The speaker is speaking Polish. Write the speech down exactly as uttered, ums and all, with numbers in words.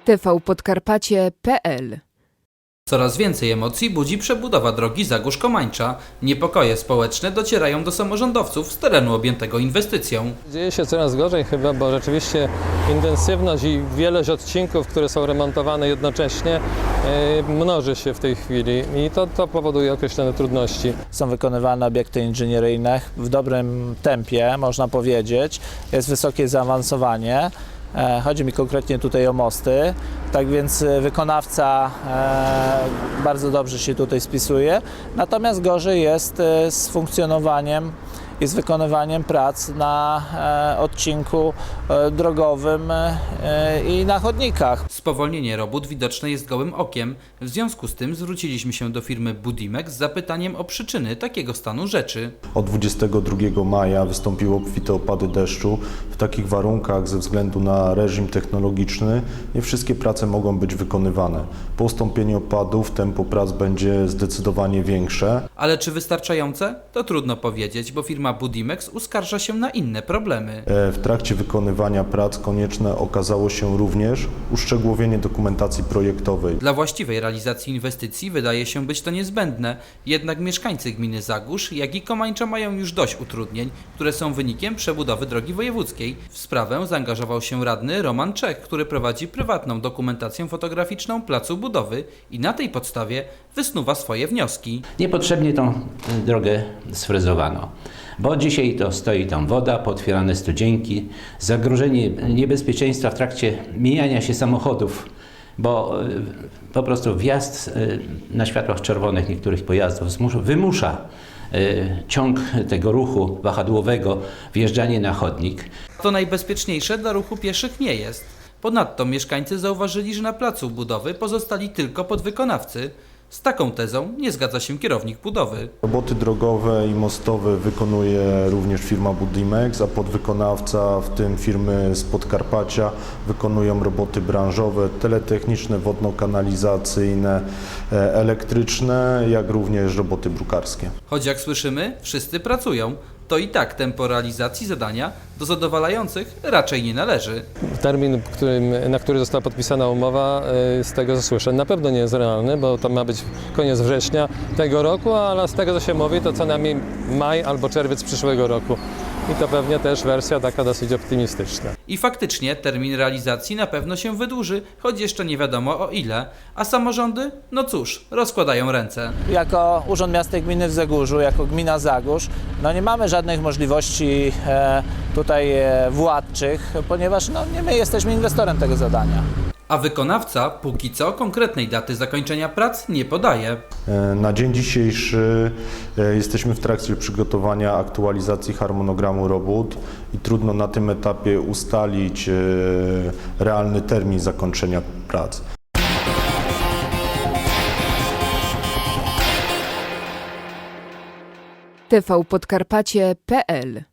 T V Podkarpacie kropka p l. Coraz więcej emocji budzi przebudowa drogi Zagórz-Komańcza. Niepokoje społeczne docierają do samorządowców z terenu objętego inwestycją. Dzieje się coraz gorzej chyba, bo rzeczywiście intensywność i wielość odcinków, które są remontowane jednocześnie, yy, mnoży się w tej chwili i to, to powoduje określone trudności. Są wykonywane obiekty inżynieryjne w dobrym tempie, można powiedzieć. Jest wysokie zaawansowanie. Chodzi mi konkretnie tutaj o mosty, tak więc wykonawca e, bardzo dobrze się tutaj spisuje, natomiast gorzej jest z funkcjonowaniem i z wykonywaniem prac na e, odcinku e, drogowym e, i na chodnikach. Spowolnienie robót widoczne jest gołym okiem. W związku z tym zwróciliśmy się do firmy Budimex z zapytaniem o przyczyny takiego stanu rzeczy. Od dwudziestego drugiego maja wystąpiły obfite opady deszczu. W takich warunkach ze względu na reżim technologiczny nie wszystkie prace mogą być wykonywane. Po ustąpieniu opadów tempo prac będzie zdecydowanie większe. Ale czy wystarczające? To trudno powiedzieć, bo firma Budimex uskarża się na inne problemy. W trakcie wykonywania prac konieczne okazało się również uszczegółowienie dokumentacji projektowej. Dla właściwej realizacji inwestycji wydaje się być to niezbędne, jednak mieszkańcy gminy Zagórz, jak i Komańcza mają już dość utrudnień, które są wynikiem przebudowy drogi wojewódzkiej. W sprawę zaangażował się radny Roman Czech, który prowadzi prywatną dokumentację fotograficzną placu budowy i na tej podstawie wysnuwa swoje wnioski. Niepotrzebnie tą drogę sfrezowano, bo dzisiaj to stoi tam woda, pootwierane studzienki, zagrożenie niebezpieczeństwa w trakcie mijania się samochodów, bo po prostu wjazd na światłach czerwonych niektórych pojazdów wymusza ciąg tego ruchu wahadłowego, wjeżdżanie na chodnik. To najbezpieczniejsze dla ruchu pieszych nie jest. Ponadto mieszkańcy zauważyli, że na placu budowy pozostali tylko podwykonawcy. Z taką tezą nie zgadza się kierownik budowy. Roboty drogowe i mostowe wykonuje również firma Budimex, a podwykonawca, w tym firmy z Podkarpacia, wykonują roboty branżowe, teletechniczne, wodno-kanalizacyjne, elektryczne, jak również roboty brukarskie. Choć jak słyszymy, wszyscy pracują, to i tak tempo realizacji zadania do zadowalających raczej nie należy. Termin, którym, na który została podpisana umowa, z tego co słyszę, na pewno nie jest realny, bo to ma być koniec września tego roku, ale z tego co się mówi, to co najmniej maj albo czerwiec przyszłego roku. I to pewnie też wersja taka dosyć optymistyczna. I faktycznie termin realizacji na pewno się wydłuży, choć jeszcze nie wiadomo o ile. A samorządy? No cóż, rozkładają ręce. Jako Urząd Miasta i Gminy w Zagórzu, jako gmina Zagórz, no nie mamy żadnych możliwości e, tutaj e, władczych, ponieważ no, nie my jesteśmy inwestorem tego zadania. A wykonawca póki co konkretnej daty zakończenia prac nie podaje. Na dzień dzisiejszy jesteśmy w trakcie przygotowania aktualizacji harmonogramu robót i trudno na tym etapie ustalić realny termin zakończenia prac. T V Podkarpacie kropka p l